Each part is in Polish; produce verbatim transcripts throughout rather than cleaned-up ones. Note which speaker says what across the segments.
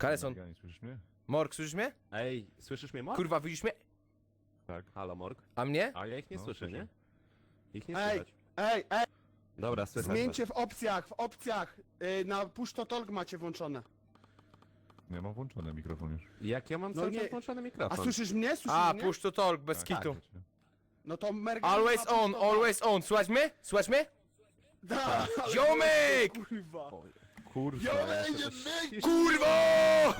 Speaker 1: Kaleson,
Speaker 2: Meganie, słyszysz mnie?
Speaker 1: Morg, słyszysz mnie?
Speaker 3: Ej, słyszysz mnie, Morg?
Speaker 1: Kurwa, widzisz mnie?
Speaker 2: Tak.
Speaker 3: Halo, Morg?
Speaker 1: A mnie?
Speaker 3: A ja ich nie
Speaker 2: No,
Speaker 3: słyszę,
Speaker 2: słyszę.
Speaker 3: nie? Ich nie
Speaker 4: Ej,
Speaker 3: słychać.
Speaker 4: ej, ej!
Speaker 3: Dobra, słychać.
Speaker 4: Zmieńcie w opcjach, w opcjach! Yy, na push to talk macie włączone.
Speaker 2: Ja mam włączony mikrofon już.
Speaker 3: Jak ja mam
Speaker 4: No
Speaker 3: cały
Speaker 4: nie.
Speaker 3: czas włączony
Speaker 4: A
Speaker 3: mikrofon?
Speaker 4: słyszysz mnie? Słyszysz
Speaker 1: A,
Speaker 4: mnie?
Speaker 1: push to talk, bez
Speaker 2: Tak.
Speaker 1: kitu.
Speaker 4: No to merga...
Speaker 1: Always on, always on. Słuchaj mnie? Słuchaj mnie?
Speaker 4: Da, ale-
Speaker 1: Ziomek!
Speaker 4: Kurwa.
Speaker 2: Kurwa.
Speaker 1: Kurwo!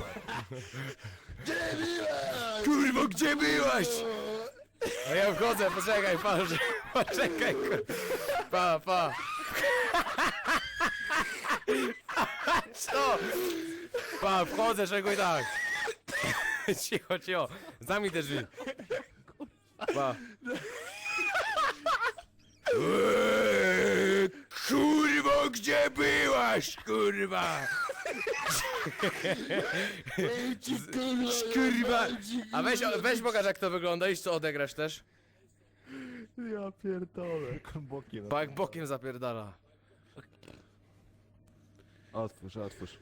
Speaker 1: Kurwo, gdzie byłaś? A ja wchodzę, poczekaj, patrz. Poczekaj, kur... Pa, pa. Co? Pa, wchodzę, czego i tak. Cicho, cicho. Zamknij te drzwi. Pa. Eee, kurwo, gdzie byłaś, kurwa? Kurwa. A weź, weź pokaż jak to wygląda i co odegrasz też.
Speaker 4: Ja pierdolę.
Speaker 2: Bokiem.
Speaker 1: Bo jak bokiem zapierdala.
Speaker 3: Otwórz, otwórz.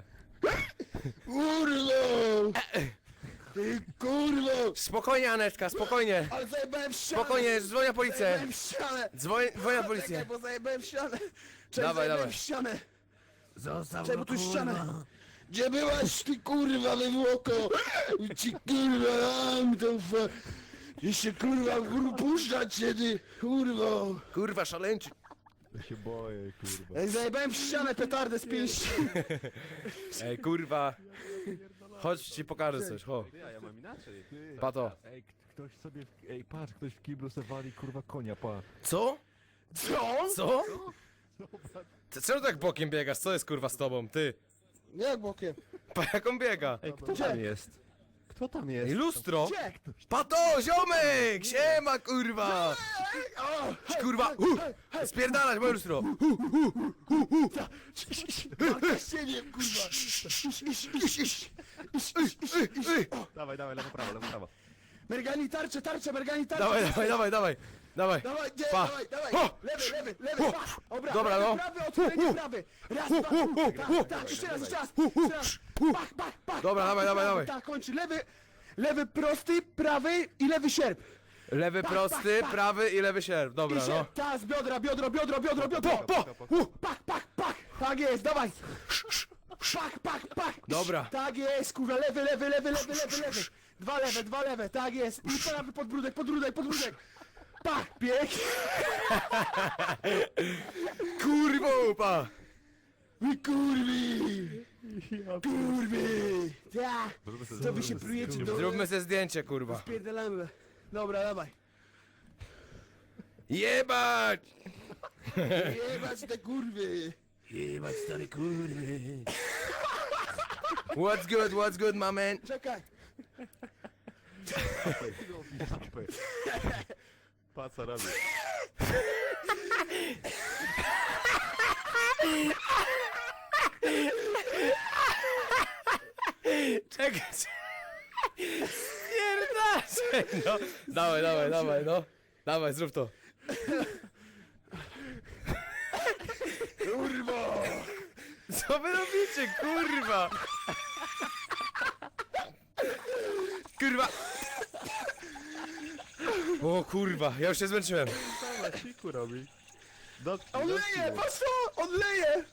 Speaker 4: Kurwa! Ty kurwa!
Speaker 1: Spokojnie, Anetka, spokojnie.
Speaker 4: Ale zajebałem w ścianę!
Speaker 1: Spokojnie, dzwonię na policję.
Speaker 4: Zajebałem w ścianę!
Speaker 1: Dzwoń, dzwoń na
Speaker 4: Czekaj,
Speaker 1: policję.
Speaker 4: bo zajebałem w ścianę! Cześć,
Speaker 1: Dawaj,
Speaker 4: zajebałem
Speaker 1: dawaj.
Speaker 4: w ścianę!
Speaker 5: Zostaw
Speaker 4: Czekaj,
Speaker 5: go,
Speaker 4: bo tu jest
Speaker 5: kurwa.
Speaker 4: ściana! Gdzie byłaś ty kurwa wywłoko? Ci kurwa dam to fa... Jeszcze kurwa puszczać się ty kurwa!
Speaker 1: Kurwa, szaleńczy.
Speaker 2: Ja się boję, kurwa.
Speaker 4: Ej, zajebałem w ścianę petardę z pięści!
Speaker 1: Ej, kurwa. Chodź, ci pokażę coś, ho.
Speaker 3: Ja, ja mam inaczej.
Speaker 1: Pato.
Speaker 2: Ej, k- ktoś sobie... W... Ej, patrz, ktoś w kiblu se wali, kurwa, konia, pa.
Speaker 1: Co?
Speaker 4: Co?
Speaker 1: Co? Ty czemu tak bokiem biegasz? Co jest kurwa z tobą? Ty.
Speaker 4: Jak bokiem?
Speaker 1: Pa, jak on biega?
Speaker 3: Ej, kto tam jest? Kto tam
Speaker 1: Ej,
Speaker 3: jest?
Speaker 1: lustro!
Speaker 4: Gdzie?
Speaker 1: Pato, ziomek! Siema, kurwa!
Speaker 4: O!
Speaker 1: Kurwa! Uh, spierdalać, moje lustro!
Speaker 4: Ciebie kurwa!
Speaker 3: Dawaj, dawaj, lewo, prawo, lewo, prawo.
Speaker 4: Mergani tarcze, tarcze, mergani tarcze!
Speaker 1: Dawaj, dawaj, dawaj, dawaj! Dawaj!
Speaker 4: Dawaj, nie,
Speaker 1: Pa.
Speaker 4: dawaj, dawaj!
Speaker 1: Ho.
Speaker 4: Lewy, lewy, lewy,
Speaker 1: Ho.
Speaker 4: pa! Obra,
Speaker 1: Dobra,
Speaker 4: prawy,
Speaker 1: no.
Speaker 4: prawy, otwieranie prawy! Raz, dwa,
Speaker 1: hu,
Speaker 4: tak,
Speaker 1: hu.
Speaker 4: tak, jeszcze raz, jeszcze raz,
Speaker 1: Hu, hu.
Speaker 4: jeszcze raz! Pach, pach, pach!
Speaker 1: Dobra,
Speaker 4: pach,
Speaker 1: dawaj, dawaj,
Speaker 4: prawy,
Speaker 1: dawaj.
Speaker 4: Tak, kończy, lewy, lewy prosty, prawy i lewy sierp!
Speaker 1: Lewy prosty,
Speaker 4: pa, pa.
Speaker 1: prawy i lewy sierp.
Speaker 4: I
Speaker 1: Dobra, no.
Speaker 4: sierp, ta, z biodra, biodro, biodro, biodro, biodro!
Speaker 1: Po, po! Uh.
Speaker 4: Pach, pach, pach! Tak jest, dawaj! Pach, pach, pach!
Speaker 1: Dobra.
Speaker 4: Tak jest, kurwa, lewy, lewy, lewy, lewy, lewy, lewy! Dwa lewe, dwa lewe, tak jest! I prawy podbródek, podbródek, podbródek! Pach, pięknie!
Speaker 1: Kurwo, pa!
Speaker 4: Wy kurwi! Kurwi! Ja! To wy się prujecie do...
Speaker 1: Zróbmy sobie zdjęcie, kurwa.
Speaker 4: Pierdolamy. Dobra, dawaj.
Speaker 1: Jebać!
Speaker 4: Jebać te kurwy!
Speaker 5: Jebać stary kurwy.
Speaker 1: What's good, what's good, my man?
Speaker 4: Czekaj!
Speaker 3: Pa, co robi?
Speaker 1: Czekaj, spierdalaj! No, dawaj, dawaj, dawaj, no. Dawaj, zrób to.
Speaker 4: Kurwo!
Speaker 1: Co wy robicie, kurwa? Kurwa! O kurwa, ja już się zmęczyłem.
Speaker 3: Dawaj, siku robi. Dotknij,
Speaker 4: On
Speaker 3: dotknij
Speaker 4: leje!
Speaker 3: mnie.
Speaker 4: Patrz to! On leje!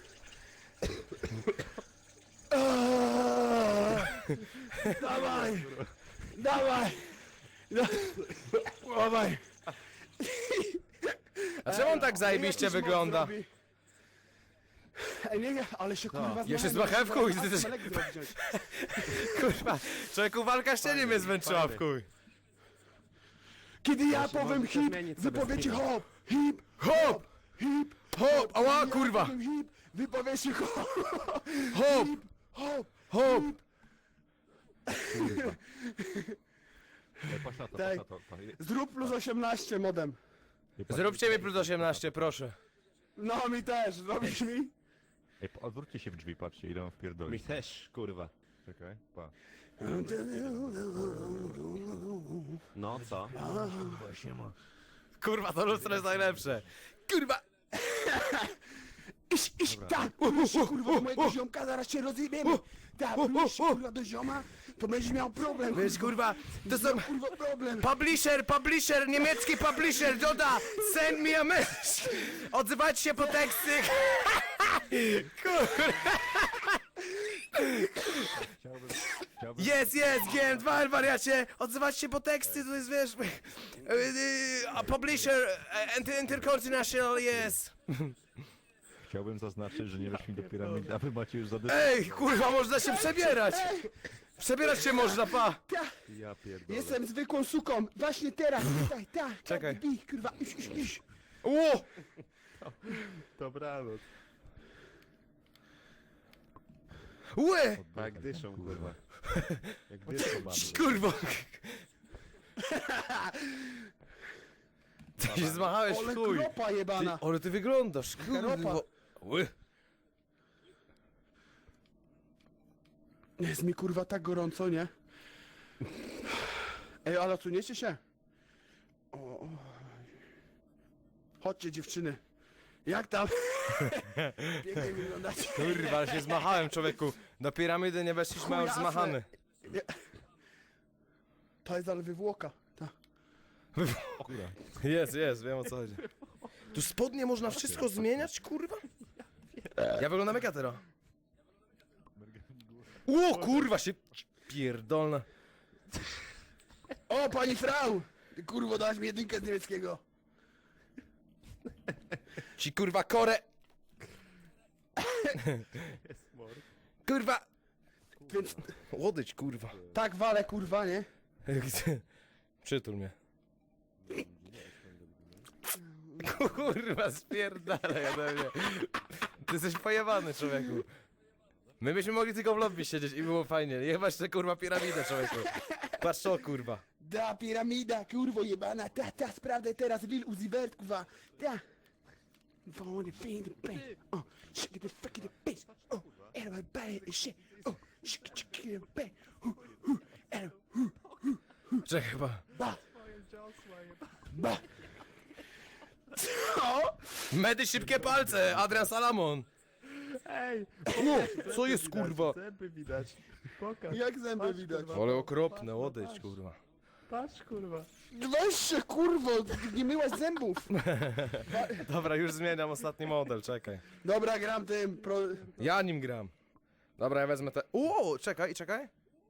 Speaker 4: Aaaa! Dawaj! Dawaj! Dawaj!
Speaker 1: A czemu on tak zajebiście
Speaker 4: Jakiś
Speaker 1: wygląda?
Speaker 4: moc robi. Ej, nie, nie, ale się kurwa
Speaker 1: Ja się
Speaker 4: zmachałem,
Speaker 1: zmachałem w chuj,
Speaker 4: muszę
Speaker 1: ty też-
Speaker 4: teraz Amelek zrobić.
Speaker 1: Kurwa, człowieku, walka ścianie mnie zmęczyła w chuj.
Speaker 4: Kiedy ja
Speaker 3: Właśnie,
Speaker 4: powiem
Speaker 3: możecie
Speaker 4: hip,
Speaker 3: zmienić
Speaker 4: wy
Speaker 3: sobie
Speaker 4: powiecie
Speaker 3: styl.
Speaker 4: hop, hip,
Speaker 1: Hop!
Speaker 4: hip,
Speaker 1: Hop! Ała,
Speaker 4: ja
Speaker 1: kurwa!
Speaker 4: powiem hip, wy powiecie hop,
Speaker 1: Hop!
Speaker 4: hop,
Speaker 1: Hop!
Speaker 2: Ej, patrz na to,
Speaker 4: Daj.
Speaker 2: patrz na to. pa.
Speaker 4: zrób plus osiemnaście modem.
Speaker 2: Ej, patrz-
Speaker 1: Zróbcie mi plus osiemnaście, proszę.
Speaker 4: No mi też, zrobisz mi?
Speaker 2: Ej, pa- odwróćcie się w drzwi, patrzcie, idę wam
Speaker 3: Mi
Speaker 2: wpierdolić.
Speaker 3: też, kurwa.
Speaker 2: Czekaj, pa.
Speaker 3: No, co?
Speaker 1: Kurwa, to lustro jest najlepsze. Kurwa!
Speaker 4: Iść, iść, tak, pluj się kurwa do mojego ziomka, zaraz się rozjebiemy. Tak, pluj się kurwa do zioma, to będziesz miał problem.
Speaker 1: Wiesz, kurwa, to są...
Speaker 4: Kurwa problem.
Speaker 1: Publisher, publisher, niemiecki publisher, Doda, send me a message. Odzywajcie się po teksty. Kurwa.
Speaker 2: Chciałbym, chciałbym...
Speaker 1: Jest, jest, G M dwa, wariacie. Odzywajcie się po teksty, to jest, wiesz... y, y, a publisher, e, inter- intercontinental, jest.
Speaker 2: Chciałbym zaznaczyć, że nie weszli do piramidy, a wy macie już zadysku.
Speaker 1: Ej, kurwa, można się przebierać. Przebierać się można, pa.
Speaker 3: Ja pierdolę.
Speaker 4: Jestem zwykłą suką, właśnie teraz, tutaj, tak,
Speaker 1: Czekaj.
Speaker 4: tak, bij, kurwa, iść, iść, iść.
Speaker 1: Ło!
Speaker 3: Dobranoc.
Speaker 1: Łe!
Speaker 3: Jak dyszą, kurwa. Jak dyszą, mamy.
Speaker 1: Kurwa. Ty się zmachałeś
Speaker 4: Ole
Speaker 1: w chuj.
Speaker 4: kropa
Speaker 1: Ty,
Speaker 4: jebana.
Speaker 1: ale ty wyglądasz, kurwa.
Speaker 4: Ropa.
Speaker 1: Ły.
Speaker 4: Jest mi kurwa tak gorąco, nie? Ej, ale odsuniecie się? O, o. Chodźcie dziewczyny. Jak tam? Pięknie wyglądacie.
Speaker 1: Kurwa, ale się zmachałem, człowieku. Do piramidy nie weszliśmy, a już
Speaker 4: Chujasne.
Speaker 1: zmachany.
Speaker 4: To jest ale wywłoka. Ta.
Speaker 2: Kurwa.
Speaker 1: Jest, jest, wiem o co chodzi. Tu spodnie można wszystko zmieniać, kurwa? Ja wyglądam jak ja teraz. Ło, kurwa, się pierdolna.
Speaker 4: O, pani Frau! Ty kurwo, dałaś mi jedynkę z niemieckiego.
Speaker 1: Ci kurwa korę.
Speaker 3: Jest mord.
Speaker 1: Kurwa.
Speaker 4: Więc
Speaker 1: Łodyć, kurwa.
Speaker 4: tak walę, kurwa, nie?
Speaker 1: Przytul mnie. Kurwa, spierdalaj ode mnie. Ty jesteś pojebany, człowieku. My byśmy mogli tylko w lobby siedzieć i było fajnie. Jebać tę kurwa piramidę, człowieku. Patrz to, kurwa.
Speaker 4: Da, piramida, kurwo jebana, ta, ta, sprawdzę teraz Lil Uzi Vert, kurwa, ta. Wanna be the best, oh, shake it the fucking the bass, oh, everybody is shit, oh, shake it, shake it, the bass, hu, hu, and hu,
Speaker 1: Czekaj, chyba.
Speaker 4: ba, ba. Co?
Speaker 1: Medy szybkie palce, Adrian Salamon.
Speaker 3: Ej!
Speaker 1: O, co jest,
Speaker 3: widać,
Speaker 1: kurwa?
Speaker 3: Zęby widać. Pokaż.
Speaker 4: Jak zęby
Speaker 3: Patrz,
Speaker 4: widać?
Speaker 3: kurwa.
Speaker 1: Ale okropne, łodyć, kurwa.
Speaker 3: Patrz, kurwa.
Speaker 4: Weź się, kurwo, nie myłaś zębów.
Speaker 1: Dobra, już zmieniam ostatni model, czekaj.
Speaker 4: Dobra, gram tym, pro...
Speaker 1: Ja nim gram. Dobra, ja wezmę te... O, czekaj, czekaj.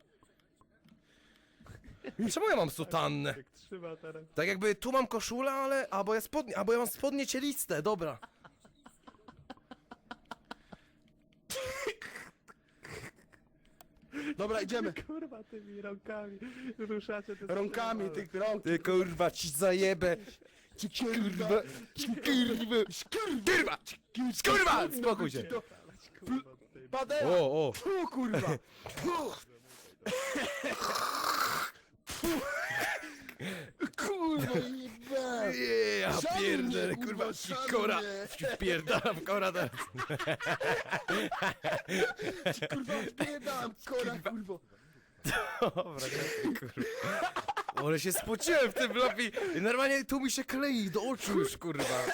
Speaker 1: Czemu ja mam sutannę?
Speaker 3: Jak trzyma teraz.
Speaker 1: Tak jakby tu mam koszulę, ale... Albo ja spodnie, albo ja mam spodnie cieliste, dobra.
Speaker 4: Dobra, idziemy.
Speaker 3: Kurwa, tymi rąkami ruszacie te
Speaker 4: Rąkami,
Speaker 3: strzały.
Speaker 4: tych rąk.
Speaker 1: Ty kurwa, ci zajebę.
Speaker 4: Ci kurwa,
Speaker 1: Ci kurwa. Kurwa. Kurwa, spokój się.
Speaker 3: Kurwa, ty-
Speaker 4: Padera.
Speaker 1: O, o.
Speaker 4: Fu, kurwa! Fu. Kurwa jeba!
Speaker 1: Ja
Speaker 4: Szanuj
Speaker 1: pierdolę,
Speaker 4: mnie,
Speaker 1: kurwa,
Speaker 4: kurwa,
Speaker 1: ci
Speaker 4: szanuj
Speaker 1: kora.
Speaker 4: mnie.
Speaker 1: Ci Pierdalam w kora teraz.
Speaker 4: Kurwa wpierdam kora kurwo!
Speaker 1: Dobra, nie, kurwa. Ale się spociłem w tym lobby i normalnie tu mi się klei do oczu już, kurwa.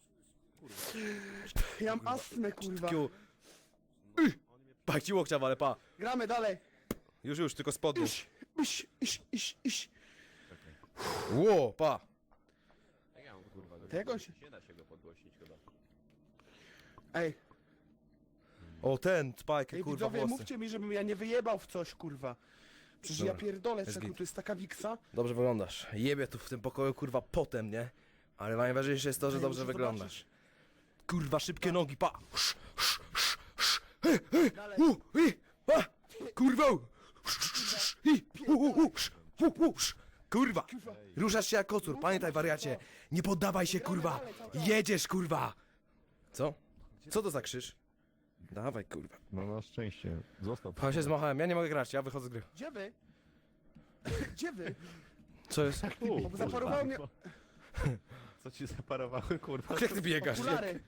Speaker 4: Ja mam astmę kurwa!
Speaker 1: Kiu. Pach ci łokcia, ale pa.
Speaker 4: Gramy dalej!
Speaker 1: Już, już, tylko spodnie.
Speaker 4: Iś, iś, iś, iś, iś!
Speaker 1: Ło, pa.
Speaker 4: To jak on się...
Speaker 3: Nie da się go podgłośnić chyba.
Speaker 4: Ej,
Speaker 1: O, ten, spajkę,
Speaker 4: ej
Speaker 1: kurwa,
Speaker 4: widzowie,
Speaker 1: włosy.
Speaker 4: mówcie mi, żebym ja nie wyjebał w coś kurwa! Przecież ja
Speaker 1: Dobra,
Speaker 4: pierdolę,
Speaker 1: jest
Speaker 4: czekaj,
Speaker 1: git.
Speaker 4: to jest taka wiksa.
Speaker 1: Dobrze wyglądasz. Jebie tu w tym pokoju, kurwa, potem, nie? Ale najważniejsze jest to, że
Speaker 4: Ej,
Speaker 1: dobrze
Speaker 4: muszę
Speaker 1: wyglądasz. Kurwa, szybkie nogi, pa. Sz, sz, sz, sz. He, he,
Speaker 4: Dalej.
Speaker 1: u, i, a, kurwa. Sz, sz, sz, i, u, u, u, sz, u, u, sz. Kurwa, ruszasz się jak kocur, pamiętaj wariacie. Nie poddawaj się, kurwa. Jedziesz, kurwa. Co? Co to za krzyż? Dawaj, kurwa.
Speaker 2: No na szczęście. Zostaw.
Speaker 1: Pa się zmachałem, ja nie mogę grać, ja wychodzę z gry.
Speaker 4: Gdzie wy? Gdzie wy?
Speaker 1: Co jest?
Speaker 4: Bo zaparowało mnie
Speaker 3: Co ci zaparowały, kurwa?
Speaker 1: Jak ty biegasz?
Speaker 4: okulary.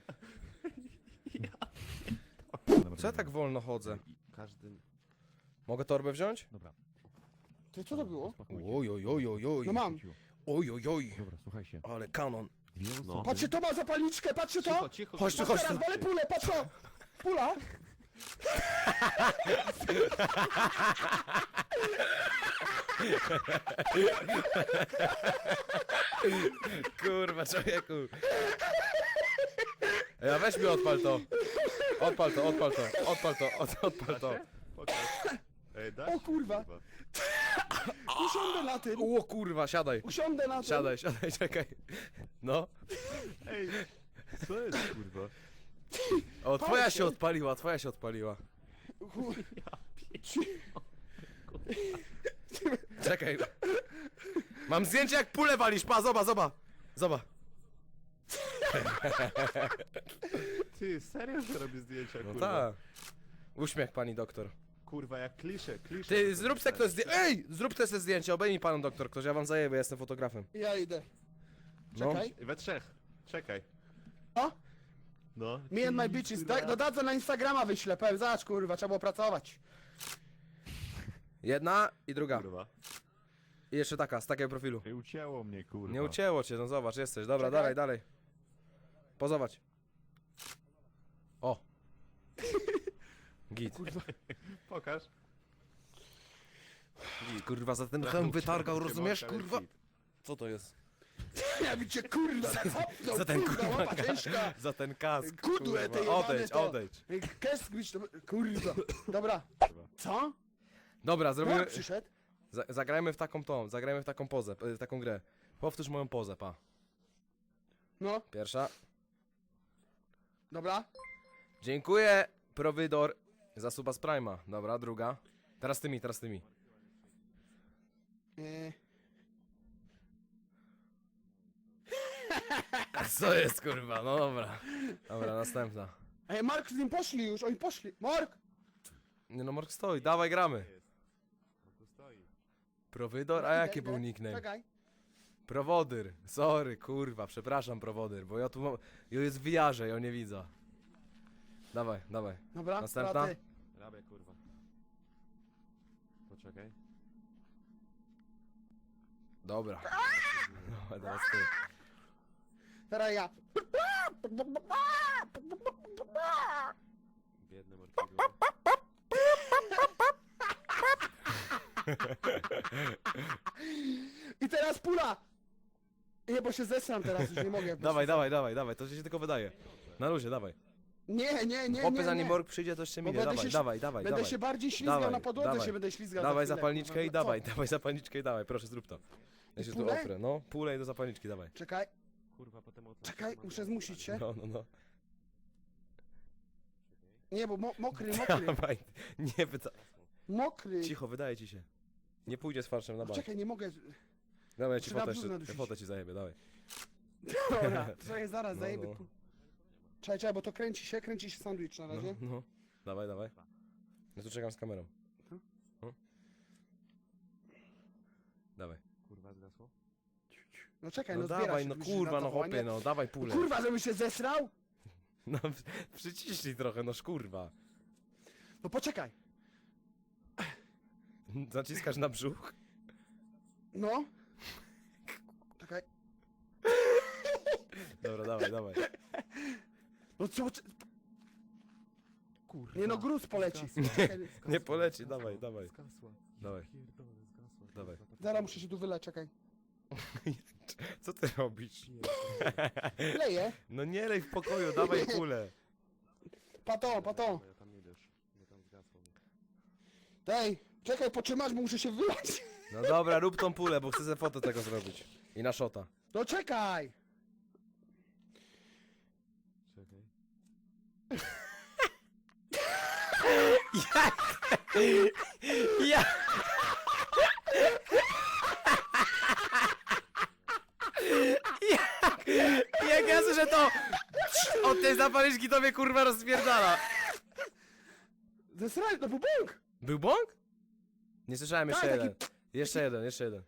Speaker 1: Co ja tak wolno chodzę?
Speaker 3: Każdy...
Speaker 1: Mogę torbę wziąć?
Speaker 2: Dobra.
Speaker 4: To co to było?
Speaker 2: Spokójcie.
Speaker 1: Oj, oj, oj, oj, oj.
Speaker 4: No mam.
Speaker 1: Oj, oj, oj.
Speaker 2: Dobra, słuchajcie.
Speaker 1: Ale kanon.
Speaker 2: Dwie osoby.
Speaker 3: No.
Speaker 4: Patrzcie, to ma zapalniczkę, patrzcie to!
Speaker 3: Cicho, cicho,
Speaker 1: Chodź tu,
Speaker 3: kurwa.
Speaker 1: chodź tu.
Speaker 4: Teraz walę pulę, patrz to! Pula!
Speaker 1: Kurwa, człowieku. Ja weź mi odpal to. Odpal to, odpal to, odpal to, od, odpal to.
Speaker 3: Pokaż. Ej, dasz?
Speaker 4: O kurwa. Usiądę na tym,
Speaker 1: O kurwa, siadaj.
Speaker 4: usiądę na tym.
Speaker 1: Siadaj, siadaj, czekaj. No.
Speaker 3: Ej, co jest kurwa?
Speaker 1: O, twoja się odpaliła, twoja się odpaliła.
Speaker 4: Chuj.
Speaker 1: Czekaj. Mam zdjęcie jak pulę walisz, pa, zoba, zoba. Zoba.
Speaker 3: Ty, serio, że robisz zdjęcia,
Speaker 1: No
Speaker 3: kurwa?
Speaker 1: tak. Uśmiech pani doktor.
Speaker 3: Kurwa, jak klisze, klisze.
Speaker 1: Ty, zrób se ktoś zdjęcie. Ej! Zrób te se zdjęcie, obejmij panu doktor ktoś, ja wam zajebę, ja jestem fotografem.
Speaker 4: Ja idę.
Speaker 1: No.
Speaker 4: Czekaj.
Speaker 3: We trzech. Czekaj.
Speaker 4: O,
Speaker 3: No.
Speaker 4: me and my bitches. Tak, no dadzę na Instagrama wyślę, powiem, zobacz kurwa, trzeba było pracować.
Speaker 1: Jedna i druga.
Speaker 3: Kurwa.
Speaker 1: I jeszcze taka, z takiego profilu.
Speaker 2: Ej, ucięło mnie, kurwa.
Speaker 1: Nie ucięło cię, no zobacz, jesteś. Dobra,
Speaker 4: Czekaj.
Speaker 1: dalej, dalej. Pozować. O. Git.
Speaker 3: Pokaż.
Speaker 1: Git. Kurwa, za ten hełm wytargał, rozumiesz, kurwa? Co to jest?
Speaker 4: Ja widzicie kurwa, hopnął,
Speaker 1: Za ten
Speaker 4: kurwa,
Speaker 1: kurwa
Speaker 4: łapa
Speaker 1: kask.
Speaker 4: ciężka.
Speaker 1: Za ten kask,
Speaker 4: Kudłe te
Speaker 1: kurwa.
Speaker 4: jebane
Speaker 1: Odejdź,
Speaker 4: to.
Speaker 1: odejdź.
Speaker 4: Kesk być to... Kurwa. Dobra. Co?
Speaker 1: Dobra,
Speaker 4: No,
Speaker 1: zrobimy...
Speaker 4: przyszedł.
Speaker 1: Za- Zagrajmy w taką tą, zagrajmy w taką pozę, w taką grę. Powtórz moją pozę, pa.
Speaker 4: No,
Speaker 1: Pierwsza.
Speaker 4: dobra.
Speaker 1: Dziękuję, prowydor, za suba z Prima. Dobra, druga. Teraz tymi, teraz tymi.
Speaker 4: Yy,
Speaker 1: Co jest, kurwa? No dobra. Dobra, następna.
Speaker 4: Ej, Mark z nim poszli już, oni poszli. Mark!
Speaker 1: Nie no, Mork stoi, dawaj gramy.
Speaker 3: Tu stoi.
Speaker 1: Prowydor? A
Speaker 4: Idę,
Speaker 1: jaki
Speaker 4: idę.
Speaker 1: był nickname?
Speaker 4: Czekaj.
Speaker 1: Prowodyr. Sorry, kurwa, przepraszam, prowodyr, bo ja tu mam... Ja jest w wiarze, ja nie widzę. Dawaj, dawaj.
Speaker 4: Dobra,
Speaker 1: Następna?
Speaker 4: dobra, ty.
Speaker 3: Rabia, kurwa. Poczekaj.
Speaker 1: Dobra. No, teraz ty.
Speaker 4: Teraz ja.
Speaker 3: Biedny morfidło.
Speaker 4: I teraz pula! Nie, bo się zesram teraz, już nie mogę.
Speaker 1: Dawaj, dawaj, dawaj, dawaj, to się tylko wydaje. Na luzie, dawaj.
Speaker 4: Nie, nie, nie,
Speaker 1: Chłopie,
Speaker 4: nie,
Speaker 1: zanim
Speaker 4: nie.
Speaker 1: Mork przyjdzie, to jeszcze
Speaker 4: Bo
Speaker 1: minie.
Speaker 4: będę
Speaker 1: Dawaj,
Speaker 4: się-
Speaker 1: dawaj, dawaj,
Speaker 4: Będę
Speaker 1: dawaj.
Speaker 4: się bardziej ślizgał
Speaker 1: Dawaj,
Speaker 4: na podłodze,
Speaker 1: dawaj.
Speaker 4: się będę ślizgał
Speaker 1: Dawaj
Speaker 4: za chwilę,
Speaker 1: zapalniczkę
Speaker 4: kurwa.
Speaker 1: i
Speaker 4: Co?
Speaker 1: dawaj, dawaj zapalniczkę i dawaj, proszę zrób to. Ja się tu
Speaker 4: pulę?
Speaker 1: oprę, no, pulę i do zapalniczki, dawaj.
Speaker 4: Czekaj,
Speaker 3: Kurwa, potem o
Speaker 4: czekaj, muszę zmusić się.
Speaker 1: No, no, no.
Speaker 4: Nie, bo mo mokry, mokry,
Speaker 1: Dawaj, nie pyta...
Speaker 4: mokry.
Speaker 1: Cicho, wydaje ci się. Nie pójdzie z farszem na
Speaker 4: No
Speaker 1: bank.
Speaker 4: czekaj, nie mogę.
Speaker 1: Dawaj, ja ci
Speaker 4: Trzeba
Speaker 1: fotę
Speaker 4: brzuch
Speaker 1: jeszcze,
Speaker 4: nadusić.
Speaker 1: fotę ci zajebie, dawaj.
Speaker 4: Dobra, czekaj, zaraz,
Speaker 1: No,
Speaker 4: zajebie.
Speaker 1: no.
Speaker 4: pu- Czekaj, czekaj, bo to kręci się, kręci się sandwich na
Speaker 1: No,
Speaker 4: razie.
Speaker 1: no. Dawaj, dawaj. Ja tu czekam z kamerą.
Speaker 4: No.
Speaker 1: No. Dawaj.
Speaker 3: Kurwa, zgasło?
Speaker 4: No czekaj,
Speaker 1: No
Speaker 4: no, zbiera
Speaker 1: dawaj,
Speaker 4: się,
Speaker 1: no
Speaker 4: myślisz,
Speaker 1: kurwa,
Speaker 4: na
Speaker 1: no
Speaker 4: zawołanie?
Speaker 1: hopie, no, dawaj pulę.
Speaker 4: Kurwa, żebym się zesrał?
Speaker 1: No, przyciśnij trochę, no szkurwa.
Speaker 4: No poczekaj.
Speaker 1: Zaciskasz na brzuch?
Speaker 4: No. Czekaj.
Speaker 1: Dobra, dawaj, dawaj.
Speaker 4: No co? czy- Nie no, gruz poleci. Czekaj,
Speaker 1: Nie poleci, dawaj, dawaj.
Speaker 3: Zgasła.
Speaker 1: Dawaj.
Speaker 3: Pierdolę, zgasła.
Speaker 1: Dawaj.
Speaker 4: zaraz muszę się tu wyleć, czekaj.
Speaker 1: Co ty robisz?
Speaker 4: Leję.
Speaker 1: No nie lej w pokoju, dawaj kulę.
Speaker 4: Pato, pato.
Speaker 3: Ja tam nie wiesz. Ja tam zgasło.
Speaker 4: Dej, czekaj, potrzymasz, bo muszę się wylać.
Speaker 1: No dobra, rób tą pulę, bo chcę sobie fotę tego zrobić. I na szota.
Speaker 4: No czekaj.
Speaker 3: Czekaj.
Speaker 1: Ja! Jak, jak ja słyszę to od tej zapalniczki to mnie kurwa rozpierdala.
Speaker 4: Zesraj, no bo bąk.
Speaker 1: Był bąk? Nie słyszałem, jeszcze
Speaker 4: Tak, taki-
Speaker 1: jeden. Jeszcze jeden, jeszcze jeden.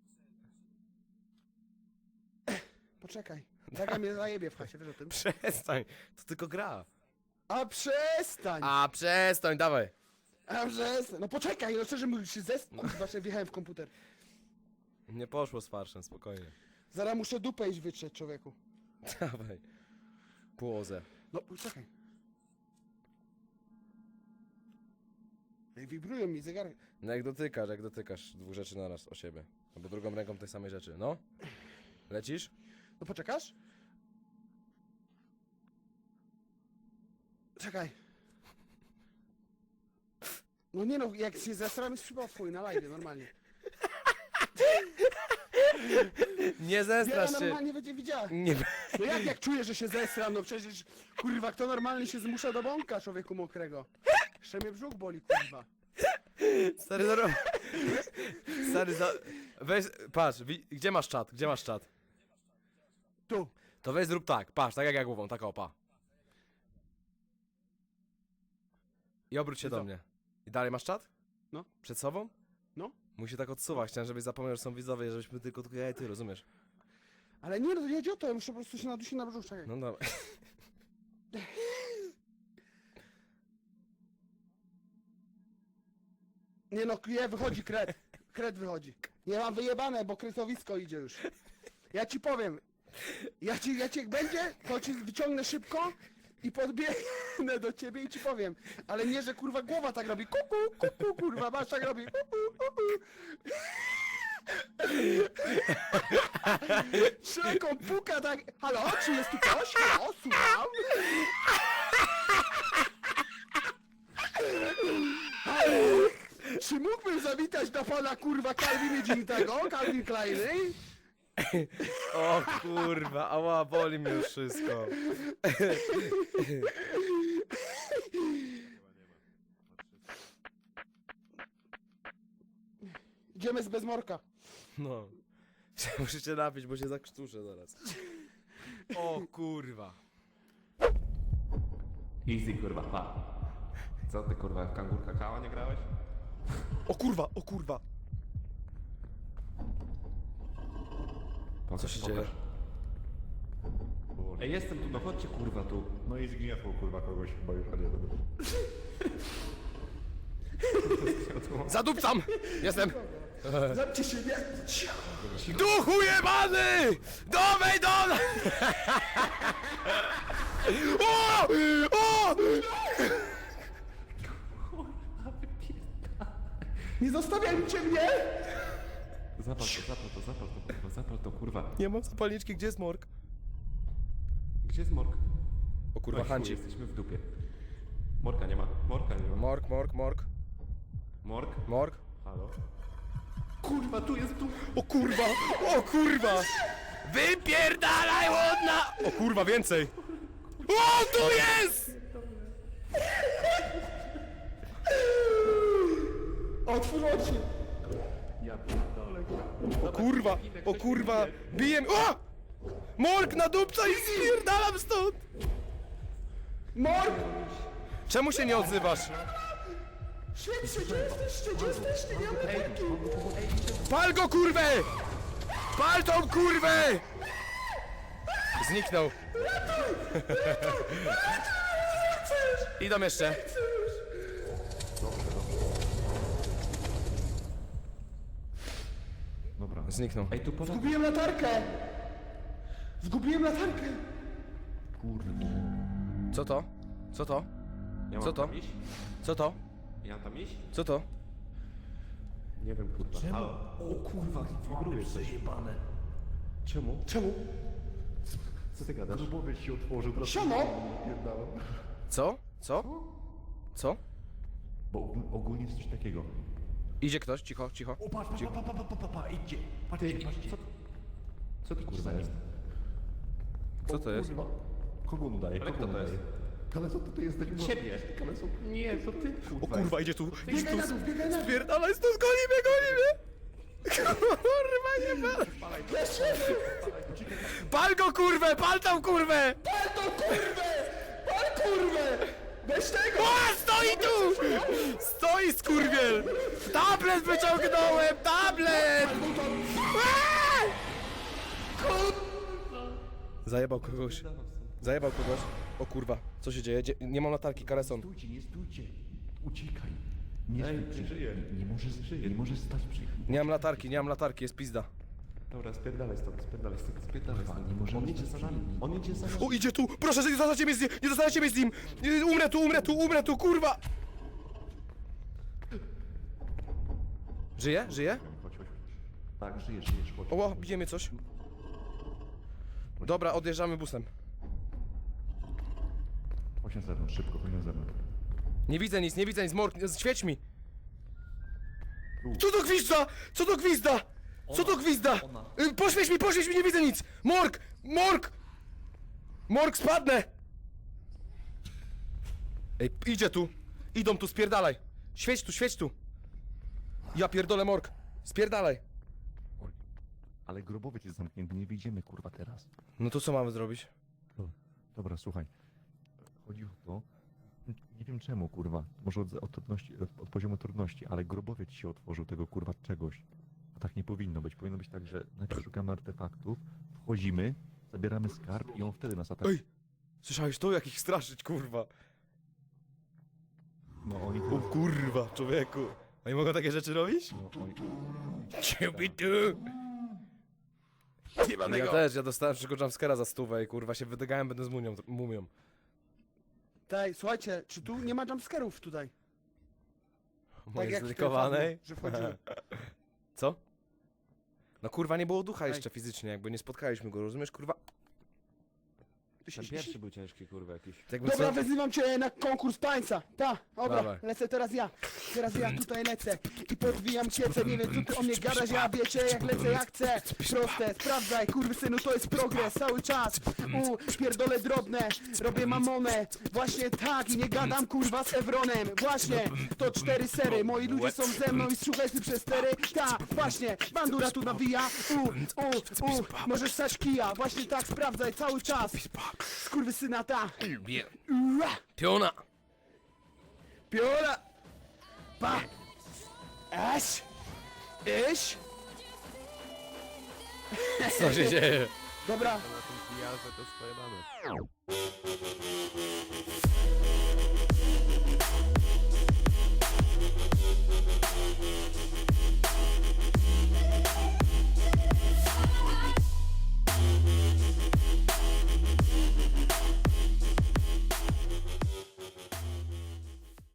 Speaker 4: Poczekaj. Taka mnie zajebie w chacie, wiesz o tym?
Speaker 1: Przestań, to tylko gra.
Speaker 4: A przestań!
Speaker 1: A przestań, dawaj.
Speaker 4: A przestań! No poczekaj, no szczerze mówiąc się zes... Właśnie wjechałem w komputer.
Speaker 1: Nie poszło z farszem, spokojnie.
Speaker 4: Zaraz muszę dupę iść wytrzeć, człowieku.
Speaker 1: Dawaj. Płozę.
Speaker 4: No, czekaj. Ej, wibrują mi zegary.
Speaker 1: No jak dotykasz, jak dotykasz dwóch rzeczy naraz o siebie. Albo drugą ręką tej samej rzeczy. No? Lecisz?
Speaker 4: No poczekasz? Czekaj. No nie no, jak się zesram, jest chyba twój na live, normalnie.
Speaker 1: Nie
Speaker 4: Ja
Speaker 1: zestrasz się.
Speaker 4: normalnie będzie widziała.
Speaker 1: Nie.
Speaker 4: No jak, jak czuję, że się zesram, no przecież, kurwa, kto normalnie się zmusza do bąka, człowieku mokrego? Jeszcze mnie brzuch boli, kurwa.
Speaker 1: Stary, zaro... Stary, za... Weź, patrz, wi... gdzie masz czat? Gdzie masz czat?
Speaker 4: Tu.
Speaker 1: To weź zrób tak, patrz, tak jak ja głową, tak opa. I obróć się
Speaker 4: I
Speaker 1: do
Speaker 4: co?
Speaker 1: mnie. I dalej masz czat?
Speaker 4: No.
Speaker 1: Przed sobą?
Speaker 4: No.
Speaker 1: Musi tak odsuwać, chciałem, żebyś zapomniał, że są widzowie, żebyśmy tylko tylko ja i ty, rozumiesz?
Speaker 4: Ale nie, no to nie o to, ja muszę po prostu się nadusić na brzuch, czekaj.
Speaker 1: No dobra.
Speaker 4: Nie no, nie, wychodzi kret. Kret wychodzi. Nie mam wyjebane, bo kretowisko idzie już. Ja ci powiem. Ja ci, ja ci jak będzie, to ci wyciągnę szybko i podbiegnę do ciebie i ci powiem. Ale nie, że kurwa głowa tak robi. Kuku, kuku, kurwa, masz tak robi. Kuku, kuku. Szeroką puka tak. Halo, czy jest tu ktoś? Halo, słucham. Halo? Czy mógłbym zawitać do pana kurwa Calvin Dzintego, Calvin Kleiny?
Speaker 1: O kurwa, ała, boli mnie już wszystko.
Speaker 4: Idziemy z bezmorka.
Speaker 1: No. Muszę się napić, bo się zakrztuszę zaraz. O kurwa.
Speaker 3: Easy kurwa, pa. Co ty kurwa, w kangur kakao nie grałeś?
Speaker 1: O kurwa, o kurwa. Co się dzieje?
Speaker 3: Ej, jestem tu, no chodźcie kurwa tu.
Speaker 2: No i zgniotło kurwa kogoś chyba już, a nie dobra.
Speaker 1: Zadupcam! Jestem!
Speaker 4: Zamknij się, nie?
Speaker 1: Duchu jebany! Dowej do nas! O! O!
Speaker 4: Nie zostawiajcie mnie!
Speaker 3: Zapal to, zapal to, zapal to kurwa, zapal to kurwa.
Speaker 1: Nie mam zapalniczki, gdzie jest morg?
Speaker 3: Gdzie jest morg?
Speaker 1: O kurwa,
Speaker 3: Oj, chuj,
Speaker 1: Hanci.
Speaker 3: jesteśmy w dupie. Morka nie ma, morka nie ma.
Speaker 1: Morg, morg, morg,
Speaker 3: Morg?
Speaker 1: morg.
Speaker 3: Halo? Kurwa, tu jest tu!
Speaker 1: O kurwa! O kurwa! Wypierdalaj łodna! O kurwa, więcej! O, tu jest!
Speaker 4: Otwórz oczy!
Speaker 3: Ja pierdolę.
Speaker 1: O kurwa, o kurwa! Bijem! O! Morg na dupca i spierdalam stąd!
Speaker 4: Morg!
Speaker 1: Czemu się nie odzywasz?
Speaker 4: Świetnie, gdzie jesteście? Gdzie jesteście? Nie mam latarki!
Speaker 1: Pal go, kurwę! Pal tą kurwę! Zniknął. Idą jeszcze.
Speaker 3: Dobra.
Speaker 1: Zniknął.
Speaker 3: Ej, tu poza...
Speaker 4: Zgubiłem latarkę! Zgubiłem latarkę!
Speaker 3: Kurde.
Speaker 1: Co to? Co to?
Speaker 3: Ja mam
Speaker 1: Co to?
Speaker 3: tam iść?
Speaker 1: Co to?
Speaker 3: Ja mam tam iść?
Speaker 1: Co to?
Speaker 3: Nie wiem kurwa. Halo? O kurwa, wibruje coś.
Speaker 5: Przejebane.
Speaker 3: Czemu?
Speaker 4: Czemu?
Speaker 3: Co ty gadasz?
Speaker 2: Grubowiec się otworzył, teraz
Speaker 4: Siano!
Speaker 2: pierdalam.
Speaker 1: Co? Co? Co?
Speaker 2: Bo ogól- ogólnie jest coś takiego.
Speaker 1: Idzie ktoś, cicho, cicho.
Speaker 2: O, patrz, patrz, patrz, patrz, patrz, patrz, idźcie. Patrzcie, patrzcie.
Speaker 3: Co, co to kurwa jest?
Speaker 1: Co to jest?
Speaker 2: Kurwa. Kogo on udaje?
Speaker 3: Ale
Speaker 2: Kogo
Speaker 3: kto
Speaker 2: on
Speaker 3: to
Speaker 2: udaje? Kaleso, to ty jesteś...
Speaker 3: Ciebie! Nie, co ty?
Speaker 1: O kurwa, idzie tu. Idź
Speaker 4: Biegaj na dół, biegaj na dół!
Speaker 1: Spierdalaj stąd, goni mnie, goni mnie! Kurwa, nie pal! Pal go, kurwę, pal tą kurwę!
Speaker 4: Pal to kurwę! Pal kurwę! Weź tego!
Speaker 1: O, stoi tu! Stoi, skurwiel! Tablet wyciągnąłem, tablet! Aaa! Zajebał kogoś. Zajebał kogoś. O kurwa, co się dzieje? Dzie nie mam latarki, Kareson.
Speaker 2: Stójcie, nie stójcie. Uciekaj. Nie
Speaker 3: Ej,
Speaker 2: stój przy...
Speaker 3: żyje.
Speaker 2: Nie możesz, nie możesz stać przy...
Speaker 1: Nie mam latarki, nie mam latarki, jest pizda.
Speaker 3: Dobra, spierdalaj stąd, spierdalaj stąd, spierdalaj
Speaker 2: Kurwa,
Speaker 3: stąd.
Speaker 2: nie możemy
Speaker 3: On idzie
Speaker 2: stać
Speaker 3: za nami, on idzie za nami.
Speaker 1: O, idzie tu! Proszę, że nie zostańcie mnie z nim! Nie zostańcie mnie z nim! Nie, Umrę tu, umrę tu, umrę tu, kurwa! Żyje? Żyje?
Speaker 2: Chodź, chodź. Tak, żyjesz, żyjesz, chodź.
Speaker 1: Oła, bije mnie coś. Dobra, odjeżdżamy busem.
Speaker 2: Chodź na zewnątrz, szybko, chodź na zewnątrz.
Speaker 1: Nie widzę nic, nie widzę nic, Mork, świeć mi! Co to gwizda? Co to gwizda? Co to gwizda? Y, Poświeć mi, poświeć mi, nie widzę nic! Mork! Mork! Mork, spadnę! Ej, idzie tu! Idą tu, spierdalaj! Świeć tu, świeć tu! Ja pierdolę, Mork! Spierdalaj!
Speaker 2: Ale grobowiec jest zamknięty, nie wyjdziemy kurwa teraz.
Speaker 1: No to co mamy zrobić?
Speaker 2: Dobra, słuchaj. Chodzi o to, nie wiem czemu kurwa, może od, od, trudności, od, od poziomu trudności, ale grobowiec się otworzył tego kurwa czegoś. A tak nie powinno być. Powinno być tak, że najpierw szukamy artefaktów, wchodzimy, zabieramy skarb i on wtedy nas atakuje.
Speaker 1: Ej! Słyszałeś to? Jak ich straszyć, kurwa?
Speaker 2: No oni
Speaker 1: O
Speaker 2: teraz...
Speaker 1: kurwa, człowieku! Oni mogą takie rzeczy robić?
Speaker 2: No, oni...
Speaker 1: Ciebie tu!
Speaker 4: Nie ma
Speaker 1: Ja
Speaker 4: tego.
Speaker 1: też, ja dostałem tylko jumpscare'a za stówę i kurwa się wydygałem, będę z mumią. mumią.
Speaker 4: Tej, słuchajcie, czy tu nie ma jumpscarów tutaj?
Speaker 1: Mojej
Speaker 4: jak w
Speaker 1: zlikowanej.
Speaker 4: Że wchodzimy.
Speaker 1: Co? No kurwa, nie było ducha
Speaker 4: Ej.
Speaker 1: jeszcze fizycznie, jakby nie spotkaliśmy go, rozumiesz, kurwa?
Speaker 4: Ty się
Speaker 3: Ten
Speaker 4: śmiesz?
Speaker 3: pierwszy był ciężki, kurwa, jakiś.
Speaker 1: Jakby
Speaker 4: Dobra,
Speaker 1: co?
Speaker 4: wyzywam cię na konkurs tańca. Ta, dobra,
Speaker 1: Dawaj.
Speaker 4: lecę teraz ja. Teraz ja tutaj lecę i podwijam kiece. Nie wiem co ty o mnie gadasz, ja wiecie jak lecę jak chcę. Proste, sprawdzaj, kurwy synu, to jest progres cały czas. U, pierdolę drobne, robię mamonę. Właśnie tak i nie gadam kurwa z Evronem. Właśnie, to cztery sery, moi ludzie są ze mną i słuchaj ty przez stery. Ta, właśnie, bandura tu nawija. U, u, u, możesz stać kija. Właśnie tak, sprawdzaj cały czas. Kurwy syna, ta. Ua.
Speaker 1: Piona!
Speaker 4: Piora! Pa! Aś! Iś!
Speaker 1: Co się dzieje?
Speaker 4: Dobra,
Speaker 3: Na tym pijarze to swoje dane.